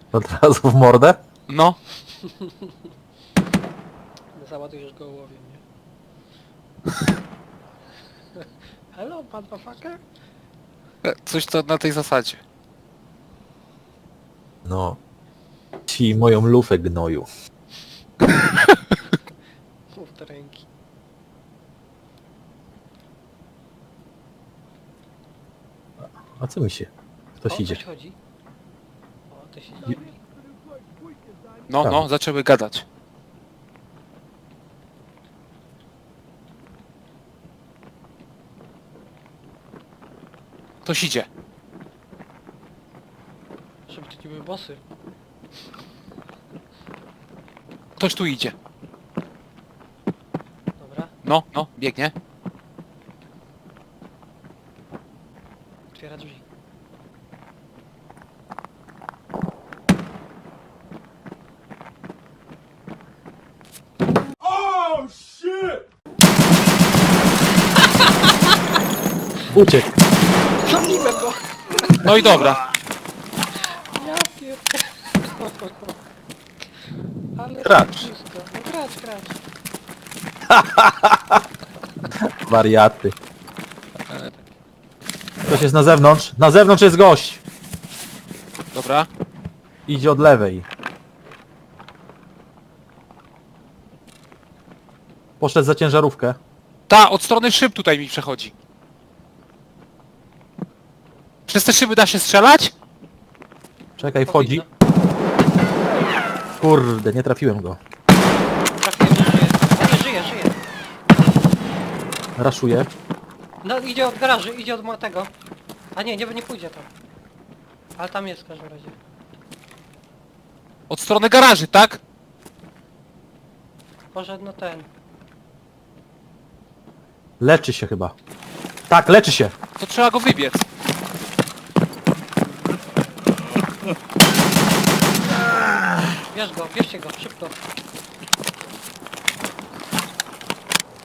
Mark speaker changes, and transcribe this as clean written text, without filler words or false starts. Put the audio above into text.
Speaker 1: Od razu w mordę?
Speaker 2: No.
Speaker 3: Załadujesz go ołowiem, nie? Hello, motherfucker?
Speaker 2: Coś to na tej zasadzie.
Speaker 1: No. Ci moją lufę gnoju.
Speaker 3: Mów do ręki.
Speaker 1: A co mi się? Ktoś
Speaker 3: O,
Speaker 1: idzie.
Speaker 3: Ktoś chodzi. O, to się
Speaker 2: No,
Speaker 1: Tam.
Speaker 2: no, zaczęły gadać. Ktoś idzie.
Speaker 3: Żeby to nie były bossy.
Speaker 2: Ktoś tu idzie.
Speaker 3: Dobra,
Speaker 2: No, no, biegnie.
Speaker 3: otwiera drzwi.
Speaker 1: Uciekł.
Speaker 3: Zabiłem go!
Speaker 2: No i dobra.
Speaker 3: Ja pierdolę. Ale
Speaker 1: Gracz.
Speaker 3: wszystko. No gracz.
Speaker 1: Wariaty. Ktoś jest na zewnątrz. Na zewnątrz jest gość.
Speaker 2: Dobra.
Speaker 1: Idzie od lewej. Poszedł za ciężarówkę.
Speaker 2: Ta, od strony szyb tutaj mi przechodzi. Przez te szyby da się strzelać?
Speaker 1: Czekaj, wchodzi. Kurde, nie trafiłem go.
Speaker 3: Trafiłem, że żyje. A nie, żyje.
Speaker 1: Raszuje.
Speaker 3: No idzie od garaży, idzie od tego. A nie pójdzie tam. Ale tam jest w każdym razie.
Speaker 2: Od strony garaży, tak?
Speaker 3: Poszedł no ten.
Speaker 1: Leczy się chyba. Tak, leczy się.
Speaker 2: To trzeba go wybiec.
Speaker 3: Bierz go, bierzcie go, szybko.